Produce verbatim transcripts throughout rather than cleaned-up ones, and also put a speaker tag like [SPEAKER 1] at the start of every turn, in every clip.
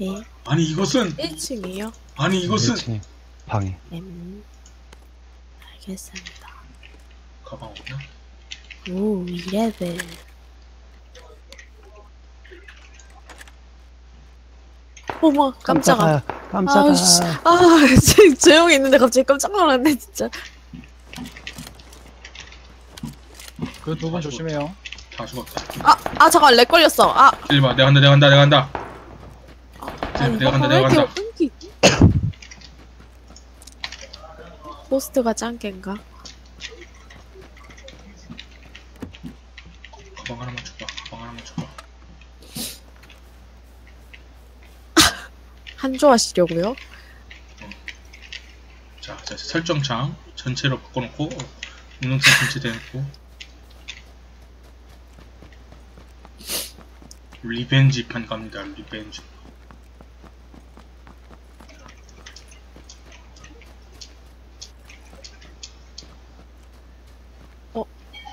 [SPEAKER 1] 네.
[SPEAKER 2] 아니 이것은
[SPEAKER 1] 일 층이요?
[SPEAKER 2] 아니 이것은
[SPEAKER 3] 일 층 방에.
[SPEAKER 1] 음. 알겠습니다.
[SPEAKER 2] 가방 없나?
[SPEAKER 1] 오, 이 레벨. 어머, 깜짝아.
[SPEAKER 3] 깜짝아.
[SPEAKER 1] 아우, 씨. 아, 지금 조용히 있는데 갑자기 깜짝 놀랐네, 진짜.
[SPEAKER 4] 그 두 분 조심해요.
[SPEAKER 2] 다 죽었다.
[SPEAKER 1] 아, 아, 잠깐, 렉 걸렸어. 아,
[SPEAKER 2] 일봐 내가 간다 내가 간다 내가 간다.
[SPEAKER 1] 아,
[SPEAKER 2] 내가 간다
[SPEAKER 1] 왜
[SPEAKER 2] 내가
[SPEAKER 1] 이렇게
[SPEAKER 2] 간다.
[SPEAKER 1] 끊기? 호스트가 짱깬가?
[SPEAKER 2] 가방 하나만 줘봐. 가방 하나만 줘봐.
[SPEAKER 1] 한조 하시려고요?
[SPEAKER 2] 자, 자 설정창 전체로 바꿔놓고 운영상 전체 대놓고 리벤지 판 갑니다. 리벤지.
[SPEAKER 1] 어?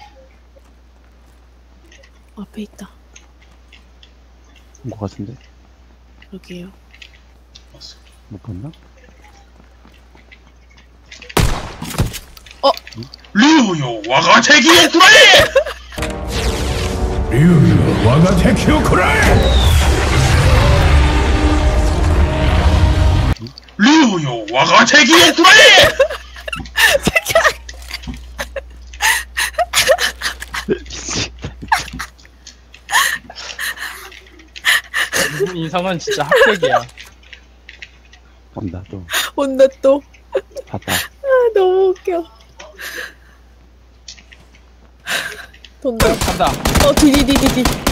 [SPEAKER 1] 앞에 있다.
[SPEAKER 3] 온 것 같은데?
[SPEAKER 1] 여기에요.
[SPEAKER 2] 왔어.
[SPEAKER 3] 못 봤나?
[SPEAKER 2] 류요 와가 대기의 구라이!
[SPEAKER 5] 류유 와가 테키오 쿠라이!
[SPEAKER 2] 류요 와가 대기의 구라이!
[SPEAKER 4] 이분 인성은 진짜 합격이야.
[SPEAKER 3] 온다 또.
[SPEAKER 1] 온다 또.
[SPEAKER 3] 봤다.
[SPEAKER 1] 아, 너무 웃겨. 돈다.
[SPEAKER 4] 간다.
[SPEAKER 1] 어, 디디디디디.